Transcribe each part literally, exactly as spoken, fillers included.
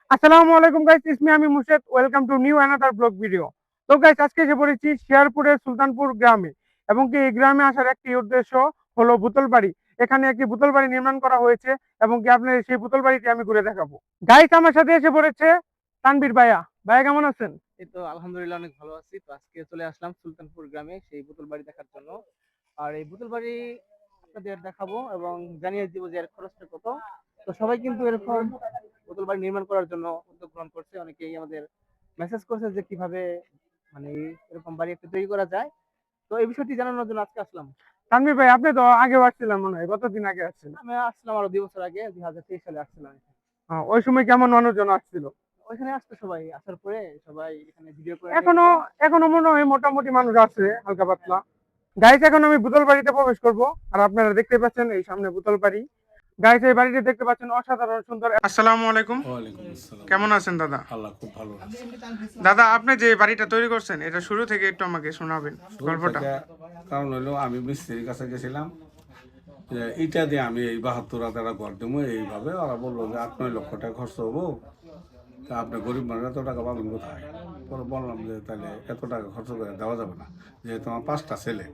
আসসালামু আলাইকুম guys, it's me আমি Murshed. Welcome to new another blog video. তো গাইস, আজকে এসে পড়েছি শেরপুরের সুলতানপুর গ্রামে, এবং কি এই গ্রামে আসার একটি উদ্দেশ্য হলো বুতল বাড়ি। এখানে একটি বুতল বাড়ি নির্মাণ করা হয়েছে, এবং কি আপনার সেই বুতল বাড়িটি আমি ঘুরে দেখাবো। গাইস, আমার সাথে এসে পড়েছে তানবীর ভাইয়া। ভাইয়া কেমন আছেন? এই তো আলহামদুলিল্লাহ অনেক ভালো আছি। তো আজকে চলে আসলাম সুলতানপুর গ্রামে সেই পুতুল বাড়ি দেখার জন্য। আর এই পুতুল বাড়ি আপনাদের দেখাবো এবং জানিয়ে দিব যে এর খরচটা কত। তো সবাই কিন্তু এরকম পুতুল বাড়ি নির্মাণ করার জন্য উদ্যোগ গ্রহণ করছে। অনেকেই আমাদের মেসেজ করছে যে কিভাবে মানে এরকম বাড়ি একটা তৈরি করা যায়। তো এই বিষয়টি জানানোর জন্য আজকে আসলাম। তানবীর ভাই, আপনি তো আগে আসছিলেন মনে হয়, কতদিন আগে আসছিলেন? আমি আসছিলাম আরো দুই বছর আগে, দুই হাজার তেইশ সালে আসছিলাম এখানে। আহ, ওই সময় কেমন মানুষজন আসছিল? ওইখানে আসতো সবাই, আসার পরে সবাই এখানে ভিডিও করে নিয়ে এখনো যেত। এখনো মনে হয় মোটামুটি মানুষ আছে, হালকা পাতলা। গাইস, এখন আমি বুতল বাড়িতে প্রবেশ করব। আর আপনারা দেখতে পাচ্ছেন এই সামনে বুতল বাড়ি। গাইস, এই বাড়িটি দেখতে পাচ্ছেন অসাধারণ সুন্দর। আসসালামু আলাইকুম। ওয়ালাইকুম আসসালাম। কেমন আছেন দাদা? আল্লাহ খুব ভালো আছে। দাদা, আপনি যে বাড়িটা তৈরি করছেন, এটা শুরু থেকে একটু আমাকে শোনাবেন শুরু গল্পটা। থেকে কারণ হলো আমি মিস্ত্রির কাছে গেছিলাম যে ইটা দিয়ে আমি এই বাহাত্তর হাজার ঘর দেবো, এইভাবে ওরা বললো যে আট নয় লক্ষ টাকা খরচ হবো, তা আপনি গরিব মানুষ এত টাকা পাবেন কোথায়? পরে বললাম যে তাহলে এত টাকা খরচ করে দেওয়া যাবে না, যেহেতু আমার পাঁচটা ছেলে।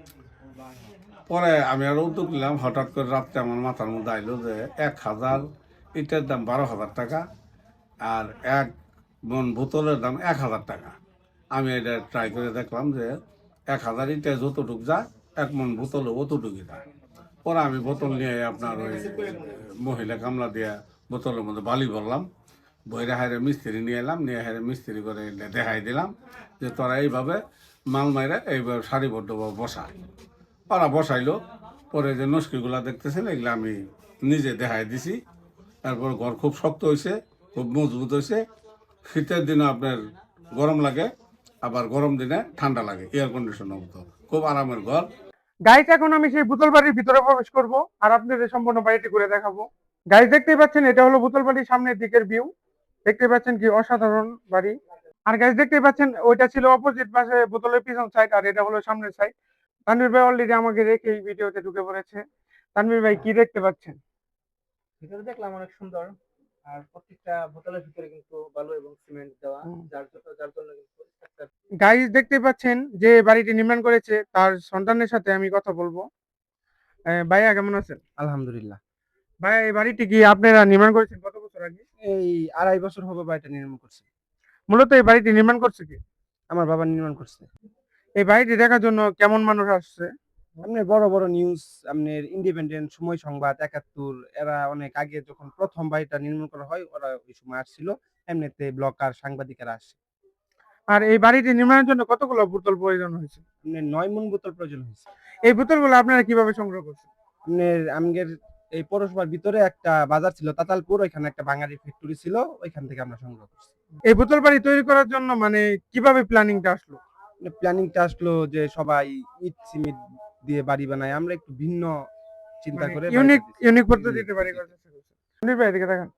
পরে আমি আরো উদ্যোগ নিলাম, হঠাৎ করে রাত্রে আমার মাথার মধ্যে আইলো যে এক হাজার ইটের দাম বারো হাজার টাকা, আর এক মন বোতলের দাম এক হাজার টাকা। আমি এটা ট্রাই করে দেখলাম যে এক হাজার ইটে যতটুক যায় এক মন বোতলে অতটুকুই যায়। পরে আমি বোতল নিয়ে আপনার ওই মহিলা কামলা দিয়ে বোতলের মধ্যে বালি ভরলাম, বইরে হাইরে মিস্ত্রি নিয়ে এলাম, নিয়ে হাইরে মিস্ত্রি করে দেখাই দিলাম যে তোরা এইভাবে মাল মাইরা এইভাবে সারিবদ্ধভাবে বসা। ওরা বসাইলো। পরে যে নস্কিগুলা দেখতেছেন এগুলো আমি নিজে দেখাই দিছি। তারপর ঘর খুব শক্ত হয়েছে, খুব মজবুত হয়েছে। শীতের দিনে আপনার গরম লাগে, আবার গরম দিনে ঠান্ডা লাগে, এয়ার কন্ডিশনের মতো খুব আরামের ঘর। গাইস, এখন আমি সেই বুতল বাড়ির ভিতরে প্রবেশ করব, আর আপনাদের সম্পূর্ণ বাড়িটি ঘুরে দেখাবো। গাইস, দেখতেই পাচ্ছেন এটা হলো বুতল বাড়ির সামনের দিকের ভিউ। দেখতে পাচ্ছেন কি অসাধারণ বাড়ি। আর গাইস, দেখতেই পাচ্ছেন ওইটা ছিল অপোজিট পাশে বোতলের পিছন সাইড, আর এটা হলো সামনের সাইড। তানভীর ভাই অলরেডি আমাকে রেখে এই ভিডিওতে ঢুকে পড়েছে। তানভীর ভাই, কি দেখতে পাচ্ছেন? ভিতরে দেখলাম অনেক সুন্দর। আর প্রত্যেকটা বোতলের ভিতরে কিন্তু বালু এবং সিমেন্ট দেওয়া, যার জন্য যার জন্য কিন্তু structure। গাইস, দেখতে পাচ্ছেন যে বাড়িটি নির্মাণ করেছে তার সন্তানের সাথে আমি কথা বলবো। আহ, ভাইয়া কেমন আছেন? আলহামদুলিল্লাহ। ভাইয়া, এই বাড়িটি কি আপনারা নির্মাণ করেছেন কত বছর আগে? এই আড়াই বছর হবে বাড়িটা নির্মাণ করছি। মূলত এই বাড়িটি নির্মাণ করছে কি? আমার বাবা নির্মাণ করছে। এই বাড়িটি দেখার জন্য কেমন মানুষ আসছে? আপনার বড় বড় নিউজ, আপনার ইন্ডিপেন্ডেন্ট, সময় সংবাদ, একাত্তর, এরা অনেক আগে যখন প্রথম বাড়িটা নির্মাণ করা হয় ওরা ওই সময় আসছিল। এমনিতে ব্লগার, সাংবাদিকেরা আসছে। আর এই বাড়িটি নির্মাণের জন্য কতগুলো বোতল প্রয়োজন হয়েছে? আপনার নয় মন বোতল প্রয়োজন হয়েছে। এই বোতলগুলো আপনারা কিভাবে সংগ্রহ করছেন? আপনার আমগের এই পৌরসভার ভিতরে একটা বাজার ছিল তাতালপুর, ওইখানে একটা বাঙালি ফ্যাক্টরি ছিল, ওইখান থেকে আমরা সংগ্রহ করছি। এই বোতল বাড়ি তৈরি করার জন্য মানে কিভাবে প্ল্যানিংটা আসলো? প্ল্যানিংটা আসলো যে সবাই ইট সিমেন্ট দিয়ে বাড়ি বানায়, আমরা একটু ভিন্ন চিন্তা করে ইউনিক বাড়িটা দিছি। ইউনিক পদ্ধতিতে বাড়ি করার চেষ্টা করছেন। তানভীর ভাই, এদিকে দেখেন।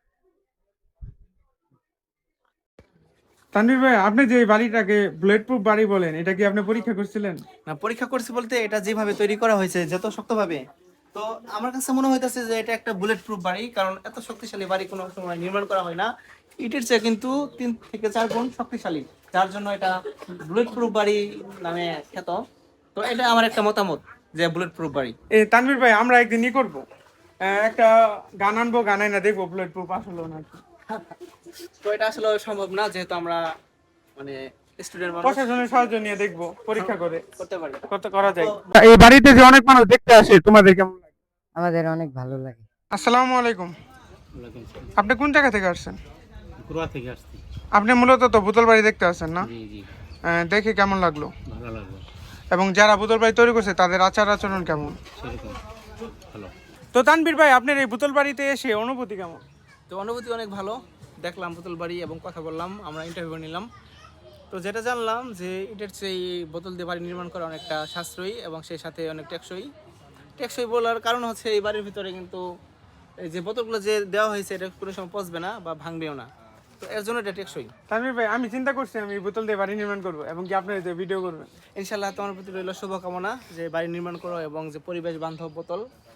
তানভীর ভাই, আপনি যে এই বাড়িটাকে বুলেট প্রুফ বাড়ি বলেন, এটা কি আপনি পরীক্ষা করছিলেন? না, পরীক্ষা করছি বলতে এটা যেভাবে তৈরি করা হয়েছে যত শক্তভাবে, তো আমার কাছে মনে হইতেছে যে এটা একটা বুলেট প্রুফ বাড়ি, কারণ এত শক্তিশালী বাড়ি কোনো সময় নির্মাণ করা হয় না। ইটের চেয়ে কিন্তু তিন থেকে চার গুণ শক্তিশালী, যার জন্য এটা বুলেট প্রুফ বাড়ি নামে খ্যাত। তো এটা আমার একটা মতামত যে বুলেট প্রুফ বাড়ি। এই তানভীর ভাই, আমরা একদিন ই করবো, আহ, একটা গান আনবো, গানাই না দেখবো বুলেট প্রুফ আসলো নাকি। তো এটা আসলে সম্ভব না, যেহেতু আমরা মানে স্টুডেন্ট মানুষ, প্রশাসনের সাহায্য নিয়ে দেখবো, পরীক্ষা করে করতে পারি। কত করা যায়। এই বাড়িতে যে অনেক মানুষ দেখতে আসে, তোমাদের কেমন লাগে? আমাদের অনেক ভালো লাগে। আসসালামু আলাইকুম। আপনি কোন জায়গা থেকে আসছেন? গোয়া থেকে আসছি। আপনি মূলত তো বোতল বাড়ি দেখতে আসছেন না? জি জি, আহ, দেখে কেমন লাগলো? ভালো লাগলো। এবং যারা বোতল বাড়ি তৈরি করছে তাদের আচার আচরণ কেমন? সেরকম ভালো। তো তানভীর ভাই, আপনার এই বোতল বাড়িতে এসে অনুভূতি কেমন? তো অনুভূতি অনেক ভালো। দেখলাম বোতল বাড়ি এবং কথা বললাম, আমরা ইন্টারভিউ নিলাম। তো যেটা জানলাম যে এটার সেই বোতল দিয়ে বাড়ি নির্মাণ করা অনেকটা সাশ্রয়ী এবং সেই সাথে অনেক টেকসই। টেকসই বলার কারণ হচ্ছে এই বাড়ির ভিতরে কিন্তু এই যে বোতলগুলো যে দেওয়া হয়েছে এটা কোনো সময় পচবে না বা ভাঙবেও না, তো এর জন্য এটা টেকসই। তানভীর ভাই, আমি চিন্তা করছি আমি এই বোতল দিয়ে বাড়ি নির্মাণ করবো, এবং কি আপনার যে ভিডিও করবেন। ইনশাল্লাহ তোমার প্রতি রইল শুভকামনা যে বাড়ি নির্মাণ করো এবং যে পরিবেশ বান্ধব বোতল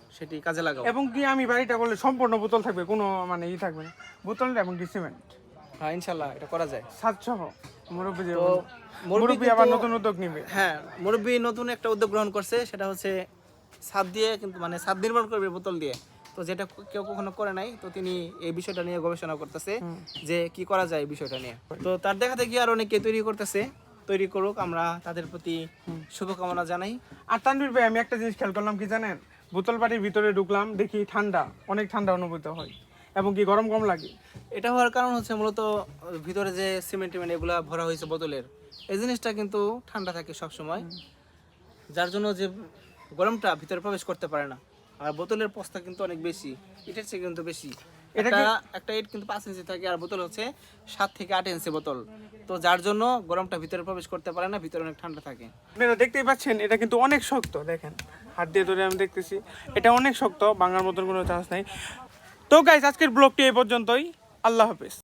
সেটি কাজে লাগাও। এবং কি আমি বাড়িটা করলে সম্পূর্ণ বোতল থাকবে, কোনো মানে ই থাকবে না, বোতল এবং কি সিমেন্ট হ্যাঁ ইনশাল্লাহ এটা করা যায়। সাত সহ মুরব্বী যে তো মুরব্বী আবার নতুন উদ্যোগ নিবে। হ্যাঁ মুরব্বী নতুন একটা উদ্যোগ গ্রহণ করছে, সেটা হচ্ছে ছাদ দিয়ে কিন্তু মানে ছাদ নির্মাণ করবে বোতল দিয়ে, তো যেটা কেউ কখনো করে নাই, তো তিনি এই বিষয়টা নিয়ে গবেষণা করতেছে যে কি করা যায় এই বিষয়টা নিয়ে। তো তার দেখা দেখি আর অনেকে তৈরি করতেছে, তৈরি করুক, আমরা তাদের প্রতি শুভকামনা জানাই। আর তানভীর ভাই আমি একটা জিনিস খেয়াল করলাম কি জানেন, বোতল বাড়ির ভিতরে ঢুকলাম দেখি ঠান্ডা, অনেক ঠান্ডা অনুভূত হয় এবং কি গরম কম লাগে। এটা হওয়ার কারণ হচ্ছে মূলত ভিতরে যে সিমেন্ট টিমেন্ট এগুলা ভরা হয়েছে বোতলের, এই জিনিসটা কিন্তু ঠান্ডা থাকে সব সময়, যার জন্য যে গরমটা ভিতরে প্রবেশ করতে পারে না। আর বোতলের পস্তা কিন্তু অনেক বেশি, ইটের চেয়ে কিন্তু বেশি। এটা একটা ইট কিন্তু পাঁচ ইঞ্চি থাকে, আর বোতল হচ্ছে সাত থেকে আট ইঞ্চি বোতল, তো যার জন্য গরমটা ভিতরে প্রবেশ করতে পারে না, ভিতরে অনেক ঠান্ডা থাকে। আপনারা দেখতেই পাচ্ছেন এটা কিন্তু অনেক শক্ত, দেখেন হাত দিয়ে ধরে আমি দেখতেছি এটা অনেক শক্ত, ভাঙার মতন কোনো চান্স নাই। তো গাইস আজকের ব্লগটি এই পর্যন্তই, আল্লাহ হাফেজ।